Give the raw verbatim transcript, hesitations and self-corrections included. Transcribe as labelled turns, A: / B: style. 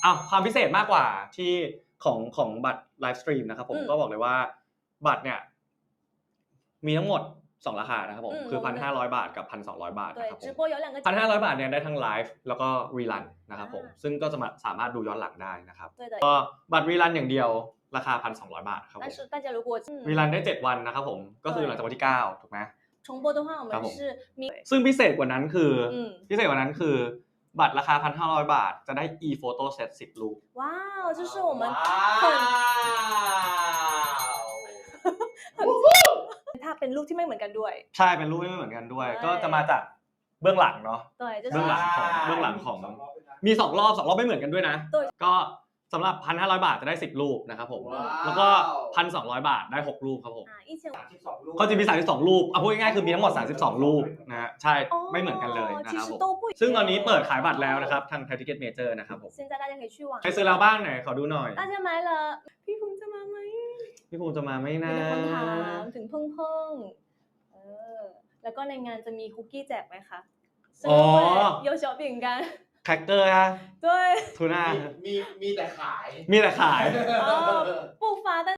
A: อ้าวความพิเศษมากกว่าที่ของของบัตรไลฟ์สตรีมนะครับผมก็บอกเลยว่าบัตรเนี่ยมีทั้งหมดสองราคานะครับผมคือ หนึ่งพันห้าร้อย บาทกับ หนึ่งพันสองร้อย บาทนะครับผม หนึ่งพันห้าร้อย บาทเนี่ยได้ทั้งไลฟ์แล้วก็รีรันนะครับผมซึ่งก็จะสามารถดูย้อนหลังได้นะครับก็บัตรรีรันอย่างเดียวราคา หนึ่งพันสองร้อย บาทครับผมรีรันได้เจ็ดวันนะครับผมก็คือหลังจากวันที่เก้าถูกไหม
B: 重播的话我们是
A: ซึ่งพิเศษกว่านั้นคือพิเศษกว่านั้นคือบัตรราคา หนึ่งพันห้าร้อย บาทจะได้ e-photo set สิบรูป
B: ว้าว就是我们很ถ้าเป็นรูปที่ไม่เหมือนกันด้วย
A: ใช่เป็นรูปไม่เหมือนกันด้วยก็จะมาจากเบื้องหลังเนาะเบื้องหลังของเบื้องหลังของมีสองรอบสองรอบไม่เหมือนกันด้วยนะก็สำหรับ หนึ่งพันห้าร้อย บาทจะได้สิบรูปนะครับผมแล้วก็ หนึ่งพันสองร้อย บาทได้หกรูปครับผมเขาจะมีสามสิบสองรูปเอาพูดง่ายๆคือมีทั้งหมดสามสิบสองรูปนะฮะใช่ไม่เหมือนกันเลยนะครับผมซึ่งตอนนี้เปิดขายบัตรแล้วนะครับทาง Thai Ticket Major นะครับผมใครซื้อแล้วบ้างไหนขอดูหน่อย
B: 大家买了พี่ภูมิจะมาไหม
A: พี่ภูมิจะมาไหมนะ
B: มีคนถามถึงเพิ่งเพิ่งเออแล้วก็ในงานจะมีคุกกี้แจกไหมคะ
A: อ๋อ
B: 有小饼干
A: แคคเกอร์ฮะ
B: 对
A: ทูน่า
C: มีมีแต่ขาย
A: มีแต่ขาย
B: 哦不发但